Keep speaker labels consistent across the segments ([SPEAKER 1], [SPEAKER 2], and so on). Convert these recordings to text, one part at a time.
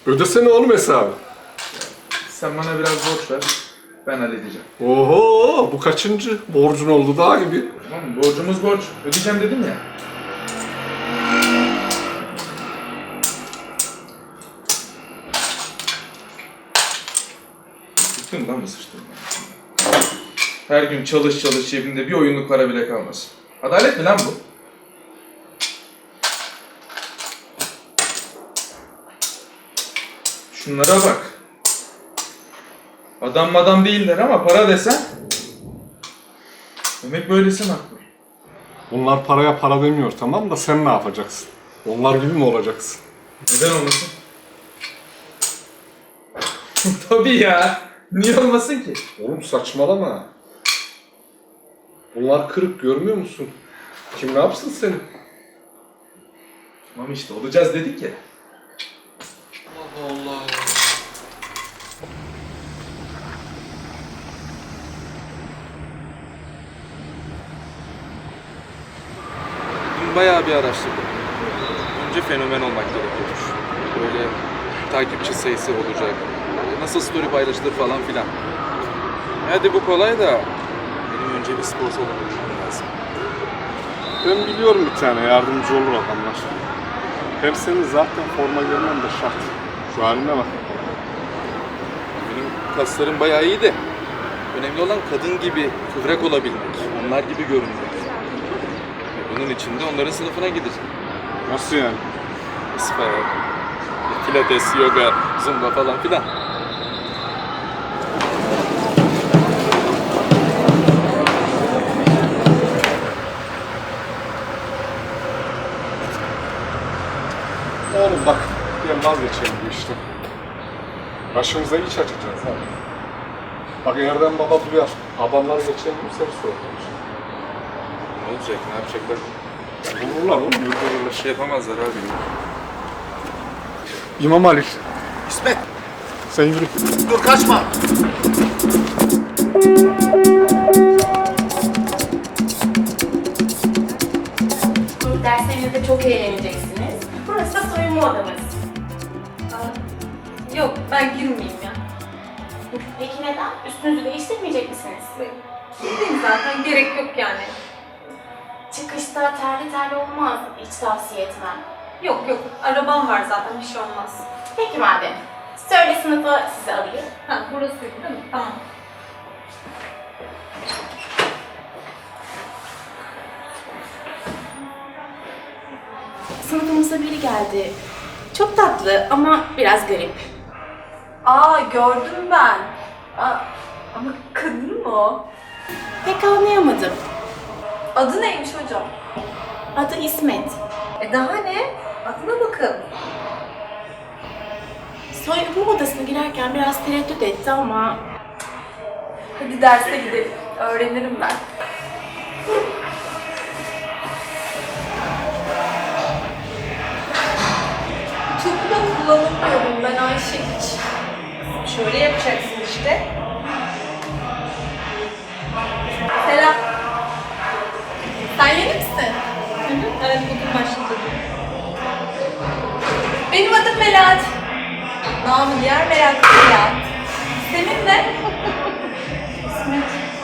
[SPEAKER 1] Ödesene oğlum hesabı.
[SPEAKER 2] Sen bana biraz borç ver. Ben halledeceğim.
[SPEAKER 1] Oho, bu kaçıncı borcun oldu daha gibi.
[SPEAKER 2] Tamam, borcumuz borç. Ödeyeceğim dedim ya. Bıktın lan mı sıçtın? Her gün çalış çalış, cebinde bir oyunluk para bile kalmasın. Adalet mi lan bu? Şunlara bak. Adam değiller ama para desen... Demek böylesi haklı.
[SPEAKER 1] Bunlar paraya para demiyor, tamam da sen ne yapacaksın? Onlar gibi mi olacaksın?
[SPEAKER 2] Neden olmasın? Tabii ya. Niye olmasın ki?
[SPEAKER 1] Oğlum saçmalama. Bunlar kırık, görmüyor musun? Kim ne yapsın seni?
[SPEAKER 2] Tamam işte olacağız dedik ya.
[SPEAKER 3] Allah Allah. Dün bayağı bir araştırdım. Önce fenomen olmak gerekiyormuş. Böyle takipçi sayısı olacak. Nasıl story paylaşılır falan filan. Hadi bu kolay da benim önce bir spor salonu bulmam lazım.
[SPEAKER 1] Ben biliyorum bir tane yardımcı olur adamlar. Hem senin zaten forma görmen de şart. Şu haline bak.
[SPEAKER 3] Benim kaslarım bayağı iyi de önemli olan kadın gibi kıvrak olabilmek, onlar gibi görünmek. Bunun için de onların sınıfına gideceğim.
[SPEAKER 1] Nasıl yani?
[SPEAKER 3] Spor, pilates, yoga, zumba falan filan.
[SPEAKER 1] Oğlum bak, ben vazgeçelim bu işten. Başımıza iş açacağız abi. Bak Erdem baba duyar. Adamlar geçen gün seni sordular.
[SPEAKER 3] Ne olacak, ne yapacaklar?
[SPEAKER 1] Vururlar oğlum, yürürler.
[SPEAKER 3] Şey yapamazlar abi.
[SPEAKER 1] İmam Ali,
[SPEAKER 4] İsmet,
[SPEAKER 1] sen yürü.
[SPEAKER 4] dur kaçma.
[SPEAKER 5] Derslerinizde çok eğleneceksiniz. Burası da soyunma odamız. Yok, ben girmeyeyim ya. Peki neden? Üstünüzü değiştirmeyecek misiniz? Giydim zaten, gerek yok yani. Çıkışta terli terli olmaz, hiç tavsiye etmem. Yok, arabam var zaten, bir şey olmaz. Peki madem. Söyle sınıfa sizi alayım. Ha, burası değil mi? Tamam. Sınıfımıza biri geldi. Çok tatlı ama biraz garip.
[SPEAKER 6] Gördüm ben. Ama kadın mı o?
[SPEAKER 5] Pek anlayamadım.
[SPEAKER 6] Adı neymiş hocam?
[SPEAKER 5] Adı İsmet.
[SPEAKER 6] Daha ne? Adına bakın.
[SPEAKER 5] Soyunma odasına girerken biraz tereddüt etti ama...
[SPEAKER 6] Hadi derse gidelim. Öğrenirim ben. Çok da kullanamıyorum ben Ayşe hiç. Şöyle yapacaksın işte. Selam. Sen yeni misin? Evet, bugün başladım. Benim adım Melahat. Namı diğer meraklı Melahat. Senin de? İsmet.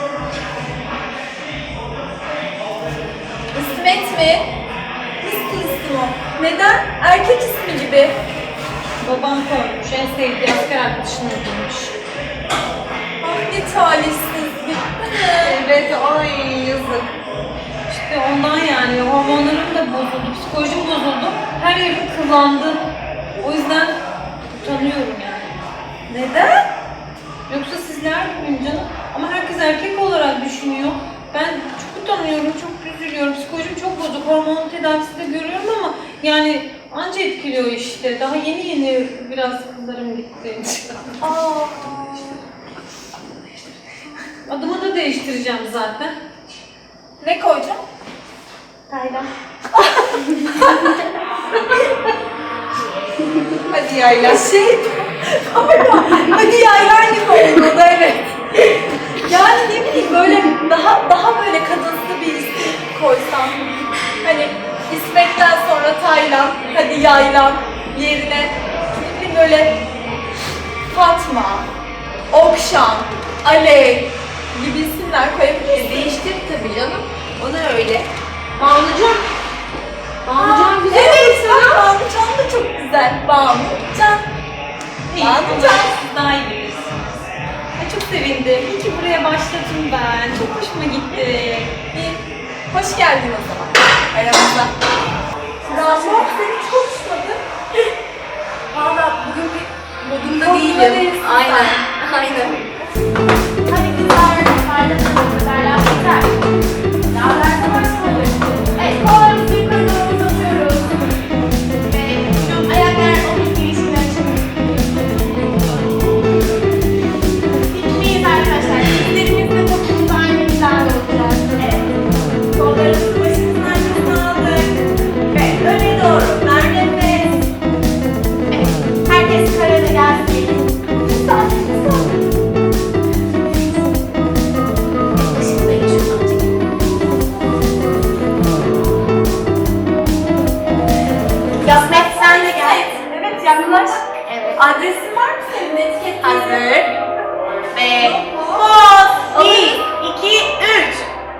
[SPEAKER 6] İsmet mi? Nasıl isim o? Neden? Erkek ismi gibi.
[SPEAKER 7] Babam koymuş, en sevdiği asker arkadaşını öldürmüş.
[SPEAKER 6] Ah ne talihsizlik değil mi?
[SPEAKER 7] Evet, ay yazık. İşte ondan yani, hormonlarım da bozuldu, psikolojim bozuldu. Her yerim kıvrandı. O yüzden utanıyorum yani.
[SPEAKER 6] Neden?
[SPEAKER 7] Yoksa sizler gibiyim canım. Ama herkes erkek olarak düşünüyor. Ben çok utanıyorum, çok üzülüyorum. Psikolojim çok bozuk. Hormon tedavisi de görüyorum ama yani anca etkiliyor işte. Daha yeni biraz kızlarım gitti.
[SPEAKER 6] Aa.
[SPEAKER 7] Adımı da değiştireceğim zaten.
[SPEAKER 6] Ne koyacağım?
[SPEAKER 5] Taylan.
[SPEAKER 6] Hadi yaylan. Hadi yaylan gibi oldu evet. Yani ne bileyim böyle daha böyle kadınsı bir isim koysam. Hani İsmet'ten sonra Taylan, hadi yaylan yerine ne bileyim bileyim böyle Fatma, Okşan, Alev gibi isimler koyabiliriz.
[SPEAKER 4] Değiştir tabii canım. O da öyle. Banucan. Banucan güzel
[SPEAKER 6] Evet,
[SPEAKER 4] olur
[SPEAKER 6] bak
[SPEAKER 4] sana.
[SPEAKER 6] Banucan da çok güzel. Banucan. Banucan.
[SPEAKER 7] Siz daha iyi bilirsiniz. Ay çok sevindim. İyi ki buraya başladım ben. Çok hoşuma gitti.
[SPEAKER 6] Hoş geldin o zaman aramıza. Ramo seni hiç konuşmadı.
[SPEAKER 4] Valla bugün bir modumda
[SPEAKER 6] Modunda
[SPEAKER 4] değilim.
[SPEAKER 6] değilsin
[SPEAKER 4] Aynen.
[SPEAKER 6] sen.
[SPEAKER 4] Aynen.
[SPEAKER 5] Hadi kızlar, yukarıda bu kadar laf yeter. Laflarsa başlamadık. Evet, kollarımızı yukarı doğru uzatıyoruz. Ve şu ayaklar omuz girişini açın. Dikmeyiz arkadaşlar. Dizlerimizle topumuzu aynı hizada olacak. Evet. Kollarımızı başımızın arkasına aldık. Ve öne doğru. Ver nefes. Evet. Herkes karada gelsin. Sakin, sakin. Işıklayın şuradan çekin. Yasmet sen de gel.
[SPEAKER 6] Evet yaklaş.
[SPEAKER 5] Evet.
[SPEAKER 6] Adresin var mı senin etiketli?
[SPEAKER 5] Hazır. Ve poz. 1, 2, 3.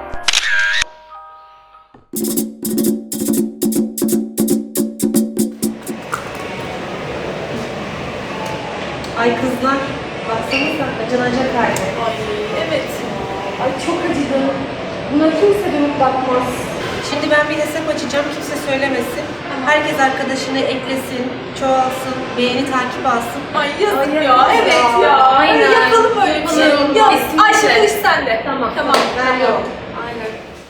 [SPEAKER 4] Ay kızlar. Baksanıza acınacak halde.
[SPEAKER 6] Ay evet. Ay çok acıdım. Buna kimse dönüp bakmaz.
[SPEAKER 4] Şimdi ben bir hesap açacağım. Kimse söylemesin. Herkes arkadaşını eklesin, çoğalsın, beğeni takip alsın.
[SPEAKER 6] Ay yazık ya. Evet ya.
[SPEAKER 4] Aynen.
[SPEAKER 6] Yapalım öyle bir şey.
[SPEAKER 4] Yapalım.
[SPEAKER 6] Yap.
[SPEAKER 4] Kesinlikle.
[SPEAKER 6] Ayşe bu iş sende.
[SPEAKER 4] Tamam.
[SPEAKER 6] Tamam.
[SPEAKER 4] Ben yok.
[SPEAKER 6] Aynen.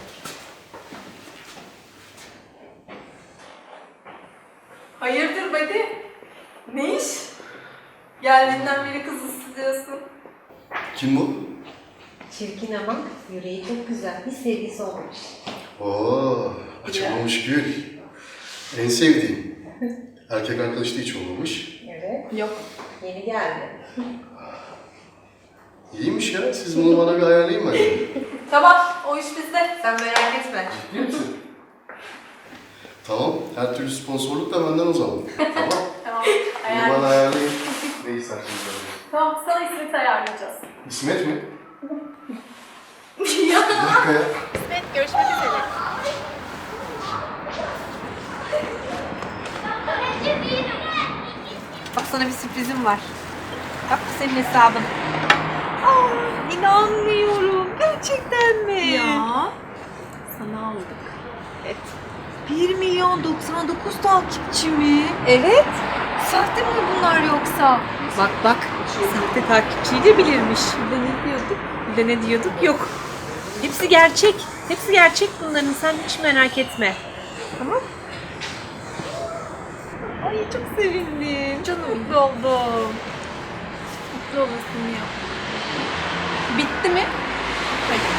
[SPEAKER 6] Hayırdır Badi? Ne iş? Geldiğinden beri kız ısıtıyorsun.
[SPEAKER 8] Kim bu?
[SPEAKER 4] Çirkin ama yüreği çok güzel. Bir sevgisi olmuş.
[SPEAKER 8] Oo, açılmamış gül. En sevdiğim. Erkek arkadaş da hiç olmamış.
[SPEAKER 4] Evet.
[SPEAKER 6] Yok.
[SPEAKER 4] Yeni geldi.
[SPEAKER 8] İyiymiş ya, siz bunu bana bir ayarlayın bence.
[SPEAKER 6] Tamam. O iş bizde. Sen merak etme.
[SPEAKER 8] Ciddi misin? Tamam, her türlü sponsorluk da benden o zaman. Tamam,
[SPEAKER 6] Tamam.
[SPEAKER 8] bunu bana ayarlayın. Ne isterseniz öyle.
[SPEAKER 6] Tamam. Sana İsmet'i ayarlayacağız.
[SPEAKER 8] İsmet mi? Bir dakika ya.
[SPEAKER 5] Evet, görüşmek üzere.
[SPEAKER 4] Bak sana bir sürprizim var. Bak bu senin hesabın. Aa, inanmıyorum. Gerçekten mi?
[SPEAKER 6] Ya. Sana aldık.
[SPEAKER 4] Evet. 1.099.000 takipçi mi? Evet. Sahte mi bunlar yoksa? Bak bak. Sahte takipçiyi de bilirmiş. Bir de ne diyorduk? Bir de ne diyorduk? Yok. Hepsi gerçek. Hepsi gerçek bunların. Sen hiç merak etme. Tamam. Ay çok sevindim. Çok mutlu oldum.
[SPEAKER 6] Mutlu olasın ya. Bitti mi? Hadi.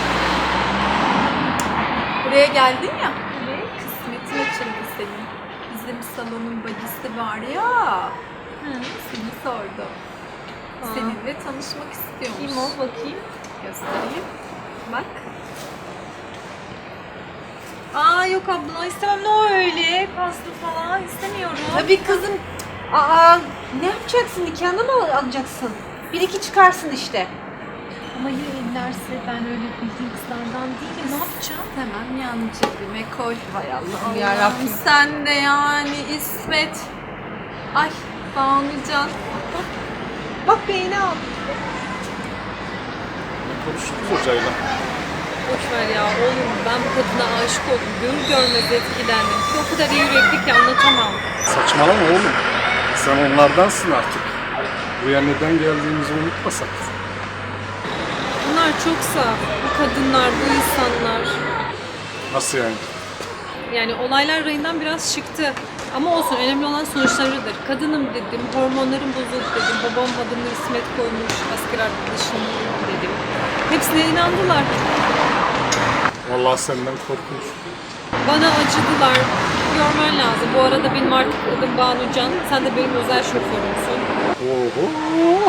[SPEAKER 6] Buraya geldin ya. Kısmetin açıldı senin. Bizim salonun bacısı var ya. Seni sordu. Seninle tanışmak istiyormuş.
[SPEAKER 4] Kim o bakayım?
[SPEAKER 6] Göstereyim. Bak.
[SPEAKER 4] Aa yok abla istemem ne o öyle paslı falan istemiyorum.
[SPEAKER 6] Tabii kızım.
[SPEAKER 4] Aa ne yapacaksın nikahını mı alacaksın? Bir iki çıkarsın işte.
[SPEAKER 6] Ama ya ellerse ben öyle bildiğin kızlardan değilim. Ne yapacağım? Hemen yan cebime koy.
[SPEAKER 4] Hay Allah'ım
[SPEAKER 6] Allah'ım
[SPEAKER 4] yarabbim.
[SPEAKER 6] sen de yani İsmet. Ay Banucan.
[SPEAKER 4] Bak beğeni al.
[SPEAKER 1] Konuştuk hocayla.
[SPEAKER 7] Boş ver ya oğlum ben bu kadına aşık oldum. Görür görmez etkilendim. O kadar iyi yürekli ki anlatamam.
[SPEAKER 1] Saçmalama oğlum. Sen onlardansın artık. Buraya neden geldiğimizi unutmasak.
[SPEAKER 7] Bunlar çok saf. Bu kadınlar, bu insanlar.
[SPEAKER 1] Nasıl yani?
[SPEAKER 7] Yani olaylar rayından biraz çıktı. Ama olsun önemli olan sonuçlarıdır. Kadınım dedim, hormonlarım bozuldu dedim. Babam adımı İsmet koymuş, asker arkadaşım dedim. Hepsine inandılar.
[SPEAKER 1] Vallahi senden korkunç.
[SPEAKER 7] Bana acıdılar. Görmen lazım. Bu arada benim artık adım Banucan. Sen de benim özel şoförümsün.
[SPEAKER 1] Oho.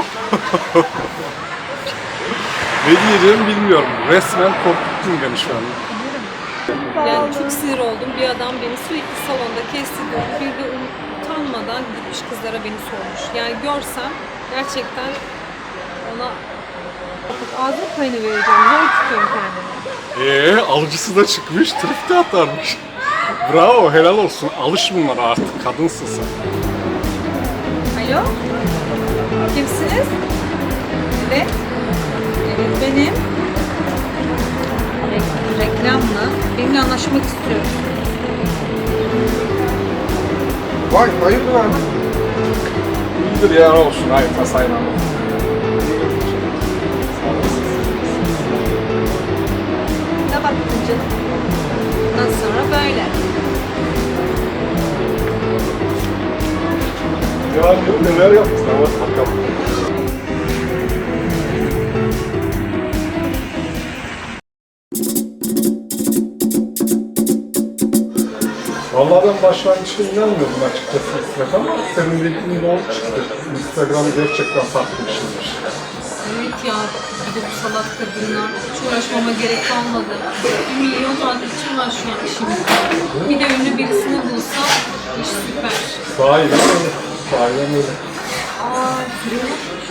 [SPEAKER 1] Ne diyeceğimi bilmiyorum. Resmen korkuttun beni şu an.
[SPEAKER 7] Yani çok sinir oldum. Bir adam beni sürekli salonda kesti. Bir de utanmadan gitmiş kızlara beni sormuş. Yani görsem gerçekten ona ağzım payını vereceğim. Zor tutuyorum kendimi.
[SPEAKER 1] Alıcısı da çıkmış, trip de atarmış. Bravo, helal olsun. Alış bunlara artık, kadınsın sen.
[SPEAKER 7] Alo? Kimsiniz? Evet. Evet benim. Reklam mı? Benimle anlaşmak istiyorum.
[SPEAKER 1] Vay, hayırdır abi? İyidir ya, olsun. Hayır, tasayla.
[SPEAKER 7] Ne baktın canım? Ondan sonra böyle.
[SPEAKER 1] Ya neler yapmışlar, bak bakalım. Vallahi ben başlangıçta inanmıyordum açıkçası İsmet ama senin dediğin doğru çıktı. Instagram gerçekten farklı bir şeymiş.
[SPEAKER 7] Evet ya, bir de bu salak kadınlar. Hiç uğraşmama gerek kalmadı. 1 milyon takipçim var şu an şimdi. Bir de ünlü birisini bulsam iş süper.
[SPEAKER 1] Sahiden öyle. Sahiden öyle.
[SPEAKER 7] Aa, duruyor.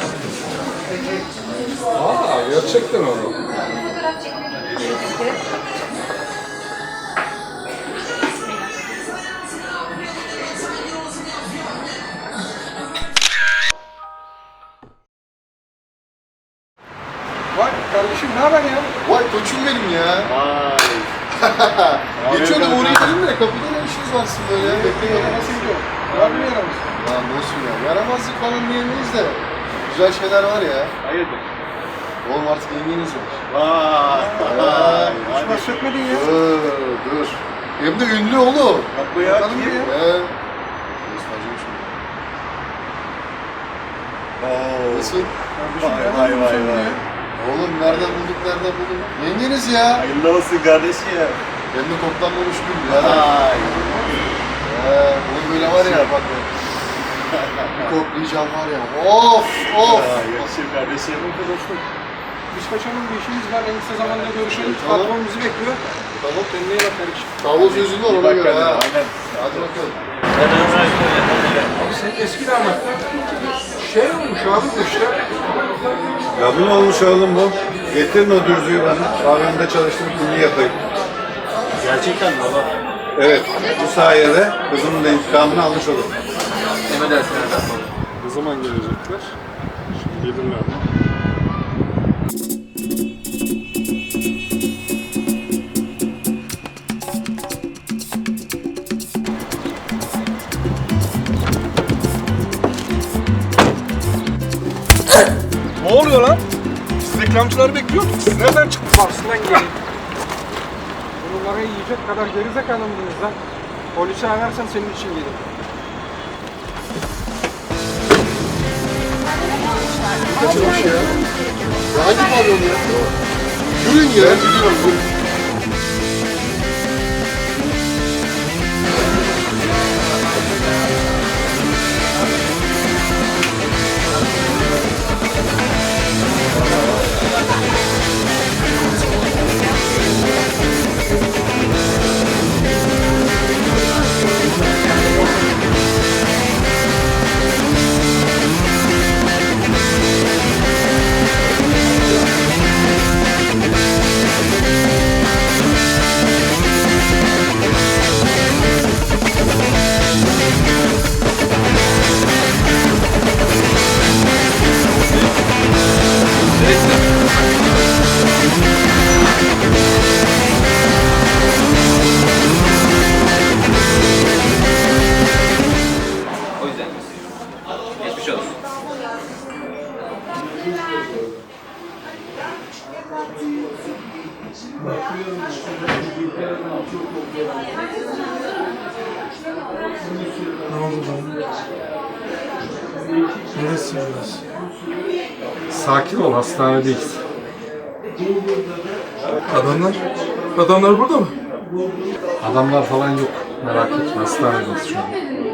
[SPEAKER 1] Gerçekten öyle. Vay kardeşim ne haber ya?
[SPEAKER 8] Vay koçum benim ya.
[SPEAKER 1] Vay.
[SPEAKER 8] Geçiyordum oraya dedim de kapıda ne işiniz var sizin böyle ya? Bekleyin.
[SPEAKER 1] Nasıl gidiyor? Var mı yaramız?
[SPEAKER 8] Ya nasıl ya? Yaramazlık falan diyemeyiz de. Güzel şeyler var ya.
[SPEAKER 1] Hayırdır?
[SPEAKER 8] Oğlum artık yengeniz var.
[SPEAKER 1] Vay.
[SPEAKER 8] Vay.
[SPEAKER 1] Hiç bahsetmedin ya.
[SPEAKER 8] Dur. Hem de ünlü oğlum.
[SPEAKER 1] Yapma ya.
[SPEAKER 8] Bakalım
[SPEAKER 1] Kim?
[SPEAKER 8] bir. Göstereceğim şimdi. Nasıl?
[SPEAKER 1] Vay.
[SPEAKER 8] Oğlum nereden bulduk? Yengeniz ya.
[SPEAKER 1] Hayırlı olsun kardeşim.
[SPEAKER 8] Hem de toplanmamış gün ya. Oğlum böyle var ya bak. Bir koklayacağım var ya. Of.
[SPEAKER 1] Yakışır kardeşim. Dostum. Biz kaçalım, bir işimiz var. En kısa zamanda görüşelim.
[SPEAKER 8] Tamam.
[SPEAKER 1] Patron bizi bekliyor. Tamam, kendine iyi bak kardeşim.
[SPEAKER 8] Tavla sözü var ona göre ha.
[SPEAKER 1] Aynen.
[SPEAKER 8] Hadi bakalım.
[SPEAKER 1] Abi sen eski damat. Şey olmuş abi bu işte.
[SPEAKER 9] Kadın olmuş oğlum bu. Getirin o dürzüyü bana. Pavyonda çalıştım, bunu yapayım.
[SPEAKER 1] Gerçekten baba.
[SPEAKER 9] Evet, bu sayede kızımın da intikamını almış olurum.
[SPEAKER 1] Ne zaman gelecekler? Şimdi gelirler mi? Ne oluyor lan? Siz reklamcıları bekliyorduk. Siz nereden çıktınız? Aslından gelin. Bunları yiyecek kadar gerizekalı mıydınız lan? Polisi ararsan senin için gelirim.
[SPEAKER 8] Kaçırmış ya. Ya hangi pavyon ya? Yürüyün ya. Gidiyorum.
[SPEAKER 1] Neresi burası? Sakin ol, hastanedeyiz.
[SPEAKER 2] Adamlar burada mı?
[SPEAKER 1] Adamlar falan yok. Merak etme, hastanedeyiz şu an.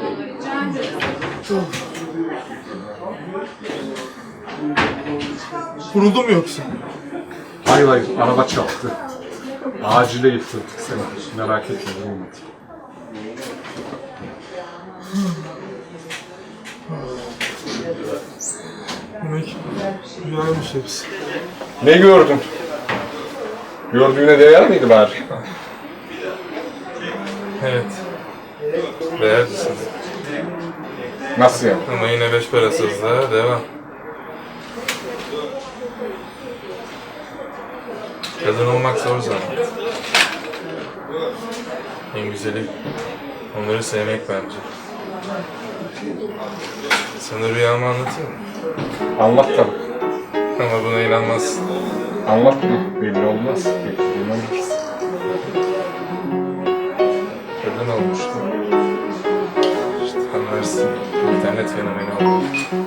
[SPEAKER 2] Vuruldu mu yoksa?
[SPEAKER 1] Hayır, araba çarptı. Acile getirdik seni. Merak etme, olmadı. Rüyaymış hepsi. Ne gördün? Gördüğüne değer miydi bari?
[SPEAKER 10] Evet. Değerlisin.
[SPEAKER 1] Nasıl yani?
[SPEAKER 10] Ama yine beş parasızlığa devam. Kadın olmak zor zaten. En güzeli onları sevmek bence. Sana rüyamı anlatayım mı?
[SPEAKER 1] Anlat tabii.
[SPEAKER 10] Ama buna inanmazsın.
[SPEAKER 1] Anlatma. Belli olmaz. Belki inanırız.
[SPEAKER 10] Kadın olmuştu. İşte anlarsın. İnternet fenomeni oldu.